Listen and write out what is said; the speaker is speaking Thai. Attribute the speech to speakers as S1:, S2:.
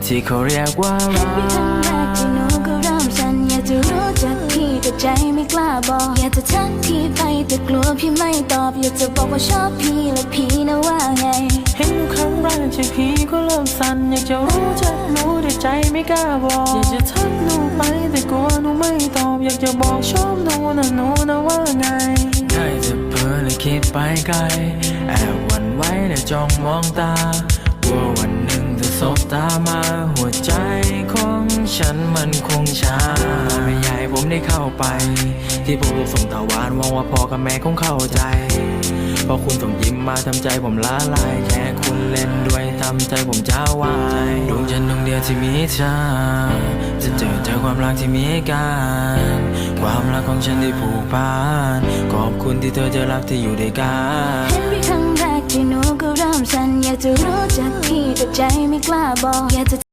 S1: ที่เขาเรียกว่ารั
S2: เห็นพี่ครั้งแรกที่หนูก็เริ่มสั่นอยากจะรู้จักพี่แต่ใจไม่กล้าบอกอยากจะทักพี่ไปแต่กลัวพี่ไม่ตอบอยากจะบอกว่าชอบพี่และพี่นะว่าไง
S1: เห็นหนูครั้งแรกใจพี่ก็เริ่มสั่นอยากจะรู้จักหนูแต่ใจไม่กล้าบอกอยากจะทักหนูไปแต่กลัวหนูไม่ตอบอยากจะบอกชอบหนูนะว่าไงได้จะเพ้อเลยคิดไปไกลแอบหวั่นไหวและจ้องมองตากลัววันหนึ่งจะสบตามาหัวใจของฉันมันคงช้าไม่อยากให้ผมได้เข้าไปที่ผมส่งตาหวานหวังว่าพ่อกับแม่คงเข้าใจพอคุณส่งยิ้มมาทำใจผมละลายแค่คุณเล่นด้วยทำใจผมจ้าวายดวงจันทร์ดวงเดียวที่มีเธอจะเจอความรักที่มีกันความรักของฉันที่ผูกพันขอบคุณที่เธอจะรักที่อยู่ด้วยกัน
S2: เห็นพี่ครั้งแรกที่หนูก็เริ่มสั่นอยากจะรู้จักพี่แต่ใจไม่กล้าบอกอยากจะ